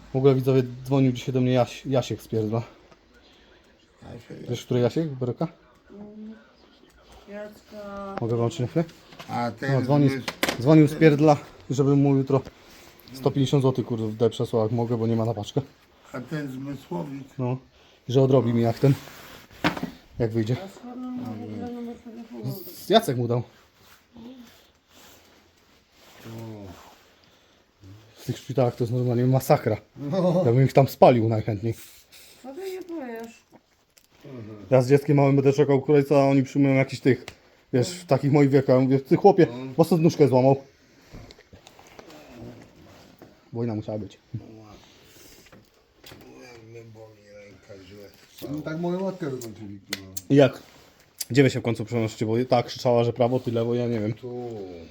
W ogóle widzowie, dzwonił dzisiaj do mnie Jasiek z Pierdla. Wiesz, który Jasiek? Beroka? Jacka. Mogę wam czy nie chwilę? A No, ten dzwonił z Pierdla, żebym mu jutro 150 zł kurde przesłał jak mogę, bo nie ma na paczkę. a ten zmysłowik. No. I że odrobi mi jak wyjdzie. A skąd on ma w ogóle numer telefonu? Jacek mu dał. W tych szpitalach to jest normalnie masakra. Ja bym ich tam spalił najchętniej. Co ty nie powiesz? Ja z dzieckiem małym będę czekał kolejca, a oni przyjmują jakiś tych, wiesz, w takich moich wiekach. Ja mówię, ty chłopie, mocno nóżkę złamał. Wojna musiała być. Jak mnie boli ręka źle. No, tak moją matkę wykończyli. I jak? Gdzie wy się w końcu przenosicie? Bo tak krzyczała, że prawo, ty lewo, ja nie wiem. Tu.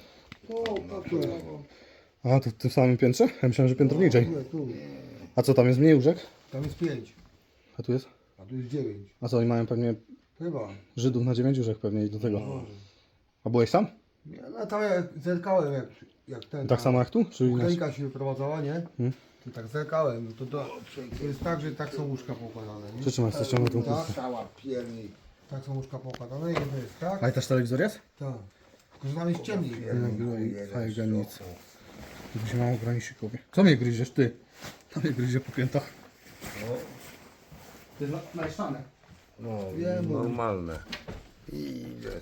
A, to w tym samym piętrze? Ja myślałem, że piętro niżej. Tu. A co, tam jest mniej łóżek? Tam jest 5, A tu jest? a tu jest 9. A co, oni mają pewnie Chyba. Żydów na 9 łóżek pewnie i do tego. A byłeś sam? No tam jak zerkałem jak ten. Tak samo jak tu? Czy inaczej? Ukrainka się wyprowadzała, nie? To tak zerkałem. No to jest tak, że tak są łóżka poukładane, nie? Przytrzymaj, ściągnę tu. Tak, Cała pierni. tak są łóżka poukładane. Jedno jest tak, A i też telewizor jest? tak. Tylko że tam jest ciemniej. Fajna nic. Tu się mało granisików. Co mnie gryziesz, ty? Tam mnie gryzie po piętach. To jest najszane. No, Wiem, normalne. Idę.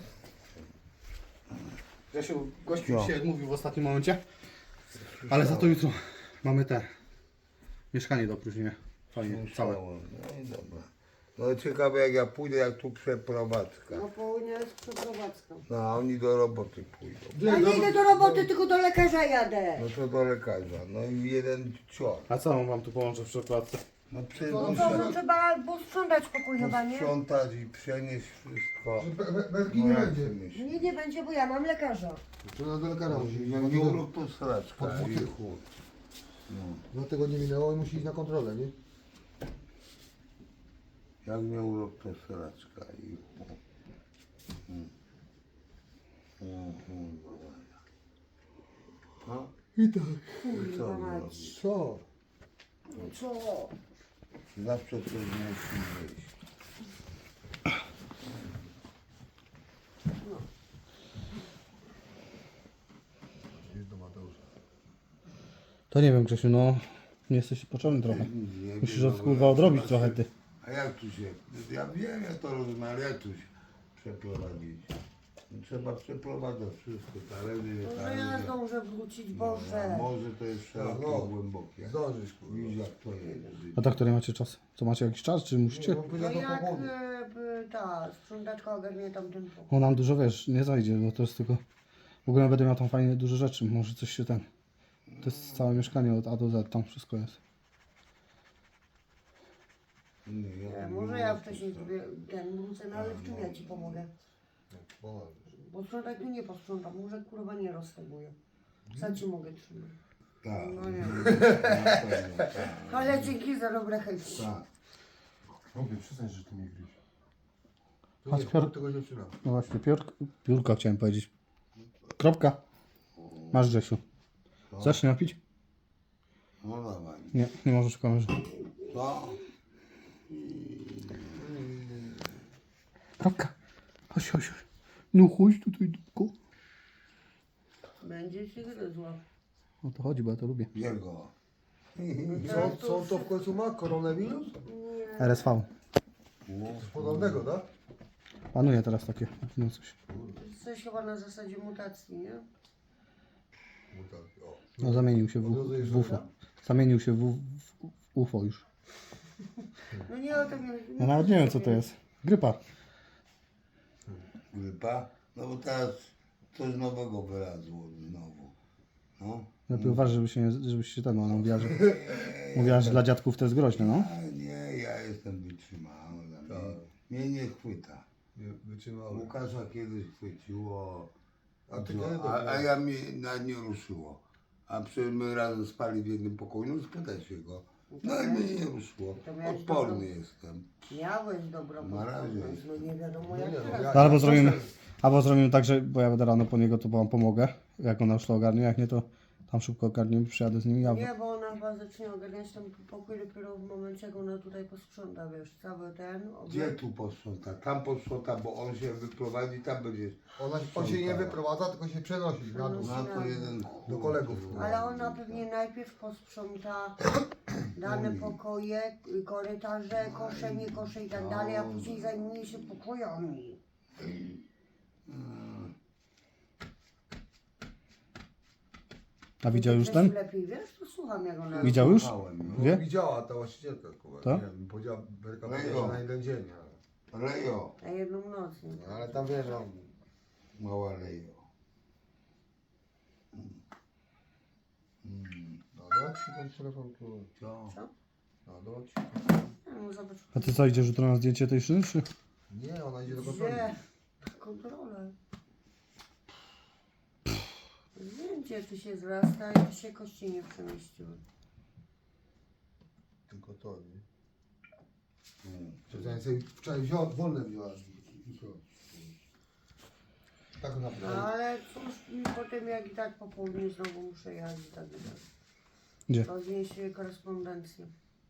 Grzesiu, gościu się odmówił w ostatnim momencie. Ale za to jutro mamy mieszkanie do opróżnienia. Fajnie, całe. No i dobra. No ciekawe jak ja pójdę, jak tu przeprowadzka. No południe jest przeprowadzka. No a oni do roboty pójdą. Ja nie idę do roboty, tylko do lekarza jadę. No to do lekarza. No i jeden cior. A co on wam tu połączy w przeprowadzce? No przecież No to no, trzeba posprzątać pokój chyba, nie? sprzątać i przenieść wszystko. Belki No nie jak będzie. ty myślisz? Nie, nie będzie, bo ja mam lekarza. To do lekarza musi iść. Jak nie urok to sraczka Po dwóch i tych. chuj. 2 tygodnie minęło i musi iść na kontrolę, nie? Jak nie urok to sraczka i chuj. No I tak. i co Kurwa mać. zrobić? Co? Co? Zawsze coś musi wyjść. Jest do Mateusza. To nie wiem, Grzesiu, no nie jesteś potrzebny trochę. Nie Musisz wiem, kurwa odrobić trochę ty. A jak tu się, ja wiem, ja to rozumiem, ale jak tu się przeprowadzić? No, trzeba przeprowadzać wszystko, talerze, Może ja zdążę wrócić, A Boże. może to jest szerokie, No. głębokie. Zdążysz, kurwa. Widzisz jak to jest. A tak, który macie czas? Co macie jakiś czas, czy musicie? No, No powiedział to jak po południu. ta sprzątaczka ogarnie tamten pokój. On nam dużo, wiesz, nie zajdzie, bo to jest tylko... W ogóle będę miał tam fajnie dużo rzeczy, może coś się ten... To jest całe mieszkanie od A do Z, tam wszystko jest. Może ja wcześniej sobie wrócę, no ale w czym ja ci pomogę? Bo sprzątać tu nie posprzątam, może kurwa nie rozteguję. Co ci mogę trzymać? Tak, No nie. na pewno, tak. Ale dzięki za dobre chęci. Tak. Mówię, przyznaj, że ty mnie gryź. Chodź, To Piotr. nie, tego dziewczyna. No właśnie, piórka chciałem powiedzieć. Kropka. Masz, Grzesiu. Chcesz się napić? No dawaj. Nie, nie możesz w kamerze. Co? Kropka. Chodź, chodź, chodź. No chodź tutaj, dupko. Będzie ci gryzła. O to chodzi, bo ja to lubię. Jego. Co on to w końcu ma? Koronawirus? RSV. Podobnego, tak? Panuje teraz takie, no coś. Coś chyba na zasadzie mutacji, nie? O. No zamienił się w UFO. Zamienił się w UFO już. No nie o tym nie. Ja nawet nie wiem co to jest. Grypa. Grypa? No bo teraz coś nowego wylazło znowu. No. Lepiej uważaj, żebyś się ten, ona mówiła, że dla dziadków to jest groźne, no. Ale nie, ja jestem wytrzymały. Mnie nie chwyta. Wytrzymały. Łukasza kiedyś chwyciło, A ty no, kiedy a ja mnie nawet nie ruszyło. A przecież my razem spali w jednym pokoju, no spytaj się go. No i mnie nie ruszyło. To miałeś Odporny dobrą- jestem. Miałeś dobrą Na razie podpowiedź, no nie wiadomo jak no, teraz. Albo zrobimy tak, że bo ja będę rano po niego, to wam pomogę, jak ona już to ogarnie, jak nie to Tam szybko ogarniemy, przyjadę z nimi. Ja... Nie, bo ona chyba zacznie ogarniać ten pokój dopiero w momencie, jak ona tutaj posprząta, wiesz, cały ten Gdzie obiekt. tu posprząta? Tam posprząta, bo on się wyprowadzi, tam będzie. On się nie wyprowadza, tylko się przenosi na dół. Na to jeden Do kolegów. Ale ona pewnie najpierw posprząta dane pokoje, korytarze, kosze, nie kosze i tak dalej, a później zajmuje się pokojami. A widział już Grzesiu, ten? lepiej wiesz, to słucham jak ona... Widział już? Słuchałem, No, Wie? widziała ta właścicielka, kurwa. Tak? Nie wiem, powiedziała Berka, No i że go. na jeden dzień. Lejo, Na jedną noc. Nie? Ale tam wiesz, no, mała Lejo. no ci ten telefon, kurwa. Co? No ci. No, zobacz. A ty co, idziesz jutro na zdjęcie tej szyny, czy? Nie, ona idzie do kontroli. Gdzie? Kontrolę. Zdjęcie tu się zrasta i tu się kości nie przemieściły. Tylko to, nie? Ja sobie wczoraj wolne wziąłem. Tak No naprawdę. ale cóż mi potem jak i tak po południu znowu muszę jechać i tak dalej. Gdzie? Roznieść korespondencję.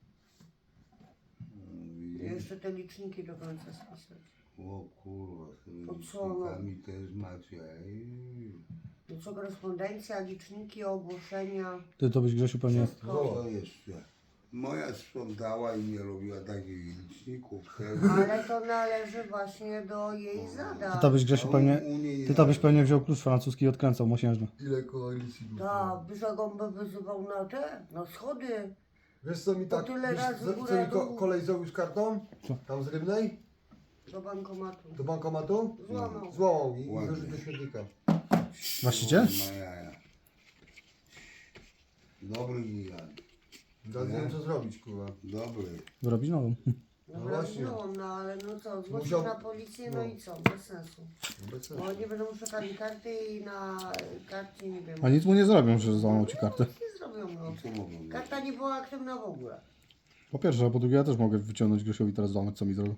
I jeszcze te liczniki do końca spisać. O kurwa, z tymi To co, no? licznikami też macie. No co korespondencja, liczniki, ogłoszenia. Ty to byś, Grzesiu, pewnie... Co jeszcze? Moja sprzątała i nie robiła takich liczników. tego. Ale to należy właśnie do jej zadań. Ty to byś, Grzesiu, pewnie... U niej Ty to byś pewnie wziął klucz francuski i odkręcał mosiężny. Ile koalicji było? Tak, by za gąbę wyzywał na te, na schody. Wiesz co mi tak, tyle wiesz, razy co górę, mi dół. kolej zrobił z kartą? Co? Tam z Rybnej? Do bankomatu. Do bankomatu? Złamał. Złamał mi i Ładnie. wyrzucił do śmietnika. Właściciel? Ma jaja. Dobry gigant. Teraz nie wiem co zrobić, kurwa. Dobry. Wyrobić nową. No właśnie. no ale no co, zgłosić Musiał- na policję, no no. i co, bez sensu. Bez sensu. Bo oni będą szukali karty i na karcie nie wiem. A nic mu nie zrobią, że złamał ci kartę. Nic nie zrobią, no. Co mogą być? Karta nie była aktywna w ogóle. Po pierwsze, a po drugie ja też mogę wyciągnąć Grzesiowi teraz złamać, co mi zrobił.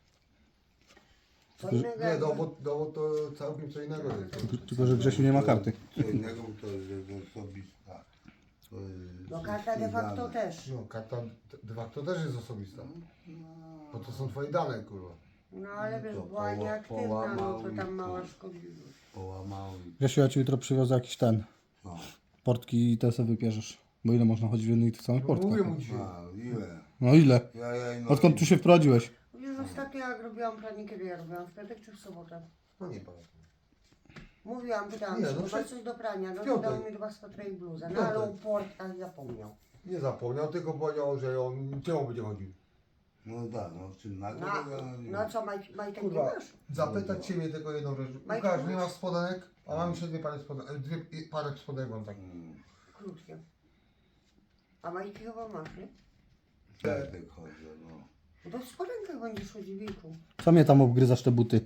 Co innego Nie, jak- dowód to całkiem co innego jest. Tylko, że Grzesiu nie ma karty. Co innego to jest osobista. To jest No karta de facto dane. też. No, karta de facto też jest osobista. Bo to są twoje dane, kurwa. No ale wiesz, To była nieaktywna, no to połamał i tam tu. mała szkodliwość. Połamały. Grzesiu, ja ci jutro przywiozę jakiś ten. No. Portki i te sobie wybierzesz. Bo ile można chodzić w jednych i tych samych No, mówię portkach? mu dzisiaj. A, ile? No ile? Ja Odkąd tu się wprowadziłeś? Wiesz, ostatnio jak robiłam pranie, kiedy ja robiłam? W piątek czy w sobotę? No nie pamiętam. Mówiłam, pytałam, Nie, czy no no przecież- coś do prania, no to piątek. dał mi dwa swetra i bluzę. No Piątek. ale o portkach zapomniał. Nie zapomniał, tylko powiedział, że on czemu będzie chodził. No tak, no w czym na to No co, majtek nie Kurwa, masz? zapytać ciebie tylko jedną rzecz. Majka, Łukasz, nie masz? masz spodenek? A mam jeszcze dwie pary spodenek, parę spodenek mam tak. Krótkie. A majki chyba masz, nie? Tak chodzę, no. No to w spodenkach będziesz chodził, wieku. Co mnie tam obgryzasz te buty?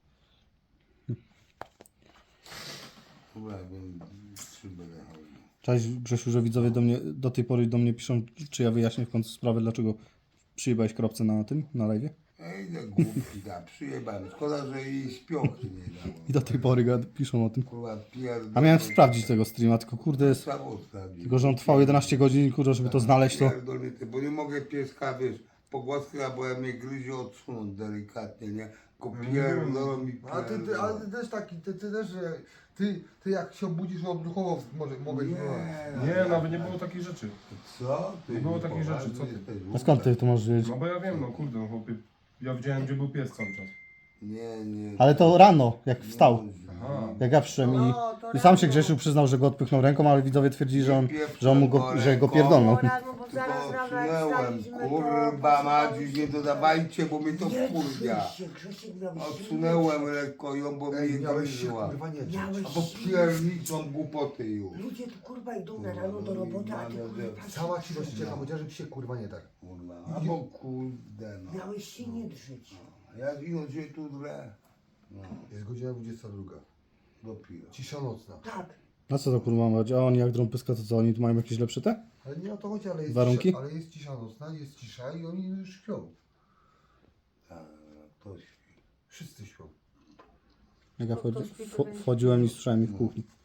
Chyba jakbym trzy będę chodził. Cześć Grzesiu, że widzowie do tej pory do mnie piszą, czy ja wyjaśnię w końcu sprawę, dlaczego przyjebałeś kropce na tym, na live'ie. Ej, no głupki, da, przyjebałem. Szkoda, że jej śpioki nie dało. I do tej pory piszą o tym. Kurwa, pierdolę. A miałem sprawdzić tego streama, tylko kurde jest... Samo sprawdzić. Tylko, że on trwał 11 godzin, kurde, żeby to znaleźć, to... Pierdolnicy, bo nie mogę pieska, wiesz, pogłaskać, bo ja mnie gryzie odsunąć delikatnie, nie? Tylko pierdolą mi A ty, ale ty też taki, ty też, że ty jak się obudzisz odruchowo mogę Nie, nawet nie było takich rzeczy. Co? Ty Nie było takich poważnie rzeczy, co ty? jesteś A skąd ty to możesz wiedzieć? No bo ja wiem, no kurde, no chłopie, ja widziałem, gdzie był pies cały czas. Nie. Ale to rano, jak wstał. Aha. Jak ja przyszedłem No, to i sam się rano. Grzesiu przyznał, że go odpychnął ręką, ale widzowie twierdzili, że on Nie że go ręką. pierdolnął. No rano, bo zaraz rano jak Odsunęłem, wstaliśmy, kurwa to Madziu, nie dodawajcie, bo mnie to Nie wkurwia. drzyj się, Grzesiek miał Odsunęłem lekko ją, bo Ej, mnie miałeś się gryzła. kurwa nie drzeć. Miałeś Albo pierniczą głupoty już. Ludzie tu kurwa idą na rano do roboty, a ty kurwa Cała ci rozcieka, chociażby się kurwa nie tak. Kurwa, albo kurde no. miałeś się nie drzeć. Ja ino się tu drę. No, Jest godzina 22. dopiero. Cisza nocna. Tak. No co to kurwa mać? A oni jak drą pyska, to co? Oni tu mają jakieś lepsze te? Ale nie o to chodzi, ale jest Warunki? cisza, ale jest cisza nocna, jest cisza i oni już śpią. Tak, to śpi. Wszyscy śpią. Jak ja No to śpi, to będzie. wchodziłem i słyszałem ich w kuchni.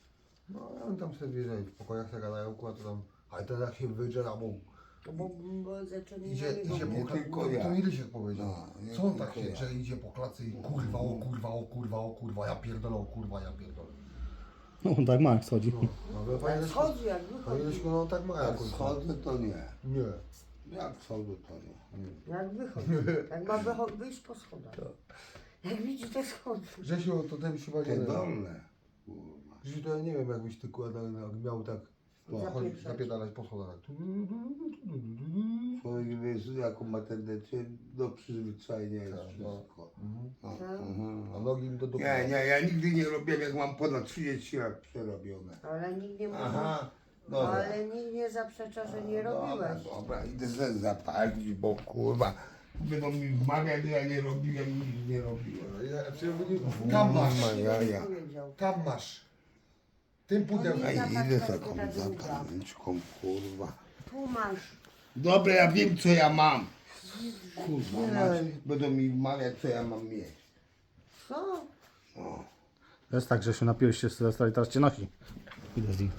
No, ja tam sobie wjeżdżają w pokojach, sobie gadają, kurwa, to tam... Ale to jak się wyjdzie na mu. Bo zaczęli Idzie na niego nie po tylko klatce. ja. To nie się powiedział. No, nie Co on tak tylko się, ja. że idzie po klatce i kurwa, o kurwa, o kurwa, o kurwa, o kurwa, ja pierdolę, o kurwa, ja pierdolę. No on tak ma jak schodzi. No, ale Jak panie Leszku, schodzi, jak panie wychodzi. Leszku, no tak ma Jak jakoś. schodzę, to nie. Nie. Jak schodzę, to nie. Jak wychodzi. Jak ma wyjść po schodach. Jak widzi te schody. Grzesiu, to ten chyba Te nie... dolne. Kurwa. Grzesiu, to ja nie wiem, jakbyś ty kurwa miał tak... Zapieprzać. Zapierdalać po schodach. Tak. Człowiek wiesz, jaką ma tendencję do przyzwyczajenia jest Tak, wszystko. No, Tak. A nogi im do dupy. Nie, ja nigdy nie robiłem, jak mam ponad 30 lat przerobione. Ale nikt nie mówi. Aha, dobra. Ale nikt nie zaprzecza, że nie robiłeś. Dobra, idę sobie zapalić, bo kurwa, będą mi wmawiać, że ja nie robiłem, nic nie robiłem. Tam masz. Ja. Powiedział. Tam masz. Tym pudełkiem. Ej, Zapach idę tak taką tak długa. zapalniczką, kurwa. Tu masz. Dobra, ja wiem, co ja mam. Kurwa, będą mi wmawiać, co ja mam mieć. Co? To jest tak, że się napiłeś się z Sylwestra i teraz cię nosi. Idę z nim.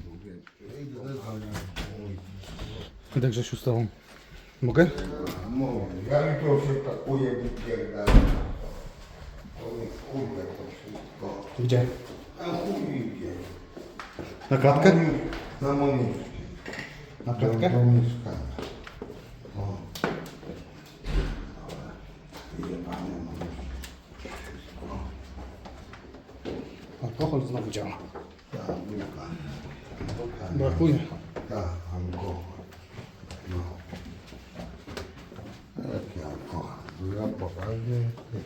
Idę Grzesiu z tobą. Mogę? No, ja jutro się pakuję, wypierdalam. To jest kurde to wszystko. Gdzie? A chuj idzie. Na klatkę? Na moniczkę. Na klatkę? Do mieszkania. O. Jebane moniczki. Wszystko. Alkohol znowu działa. Tak, buka. Brakuje. Tak, alkohol. No. Jaki alkohol? Ja poważnie.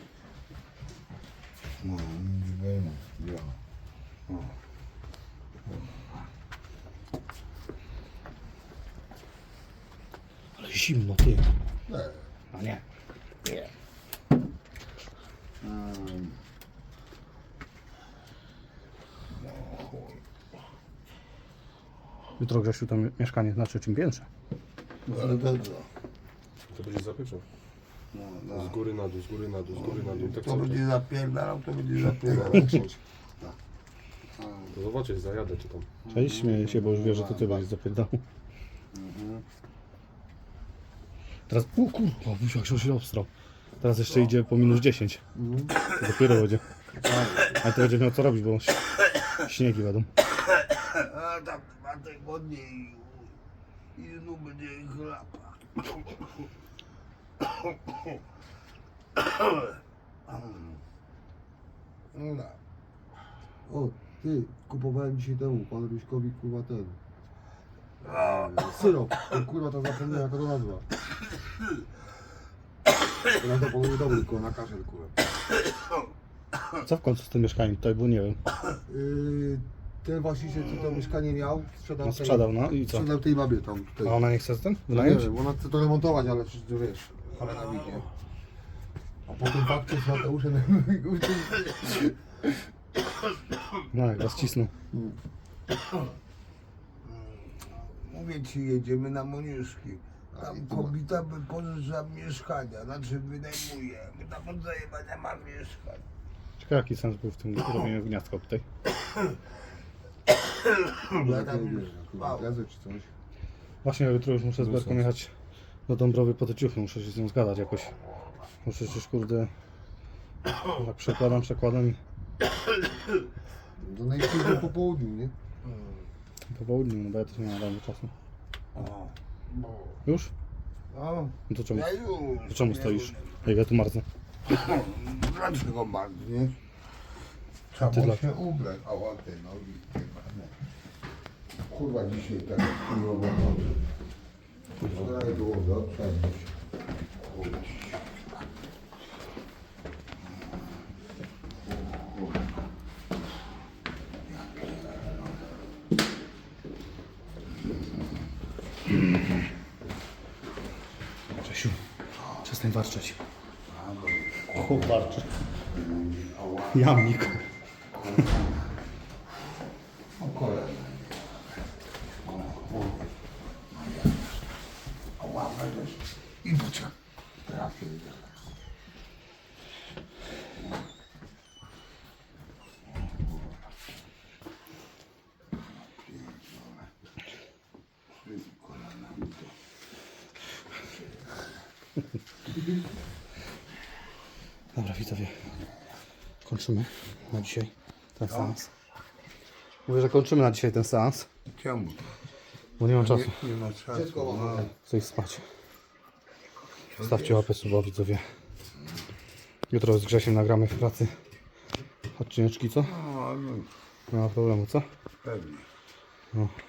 No, nic będzie. No. Ale zimno, ty. Nie. A nie. Jutro Grzesiu to mieszkanie na trzecim piętrze. Ale to co? To będzie zapieczał. No, Z góry na dół, z góry na dół, z góry na dół. Tak to cały czas. będzie zapierdalał, to będzie zapierdalał. To zobaczysz, zajadę czy tam. Cześć, śmieję się, bo już wie, że to ty będziesz zapierdał. Teraz, o kurwa, jak się obstrał. Teraz jeszcze idzie po minus 10. To dopiero będzie. Ale to będzie miał co robić, bo śniegi będą. A tam 2 tygodnie i znów będzie chlapa. No, O, ty, kupowałem dzisiaj temu, panu Ryśkowi, kurwa, ten. Syrop. Ten, kurwa, to zapomniałem, jaka to nazwa. Ja to powiem dobry, kurwa, na kaszel, kurwa. Co w końcu z tym mieszkaniem tutaj, bo nie wiem. Ten właściciel, co to mieszkanie miał, sprzedał, No sprzedał, no i co? sprzedał tej babie tam, tutaj. A ona nie chce ten Nie wynająć? wiem, ona chce to remontować, ale przecież to wiesz, ale na widzie. A po tym fakcie z Mateuszem No jak was cisną. mówię ci, jedziemy na Moniuszki. Tam kobieta wypożycza mieszkania, znaczy wynajmuje. My tam od zajebania ma mieszkań. Ciekawe jaki sens był w tym robieniu gniazdka tutaj. Ja tam już spał. gazy czy coś. Właśnie jutro już muszę z Berką jechać do Dąbrowy po te ciuchy, muszę się z nią zgadać jakoś. Bo przecież kurde, tak przekładam Do najpóźniej po południu, nie? po południu, no bo ja też nie mam rano czasu. O, Już? o, No to czemu, ja już. to czemu stoisz? Jak ja tu marznę? Dlaczego bardzo, nie? Trzeba Ty było dla- się ubrać. O, te nogi, jebane. Kurwa, dzisiaj tak kurwa chodzę. Wczoraj było dobrze, a dzisiaj. Kurwa. Grzesiu, przestań warczeć. O, warczy. Jamnik. O kolana. O łapę też. I bucia. Trafię. Dobra, widzowie. Kończymy na dzisiaj ten seans. Mówię, że kończymy na dzisiaj ten seans, Czemu? bo nie mam czasu. Nie ma czasu. Chcę iść spać. Stawcie łapę suba, widzowie. Jutro z Grzesiem nagramy w pracy odcineczki, co? No, Nie ma problemu, co? pewnie. No.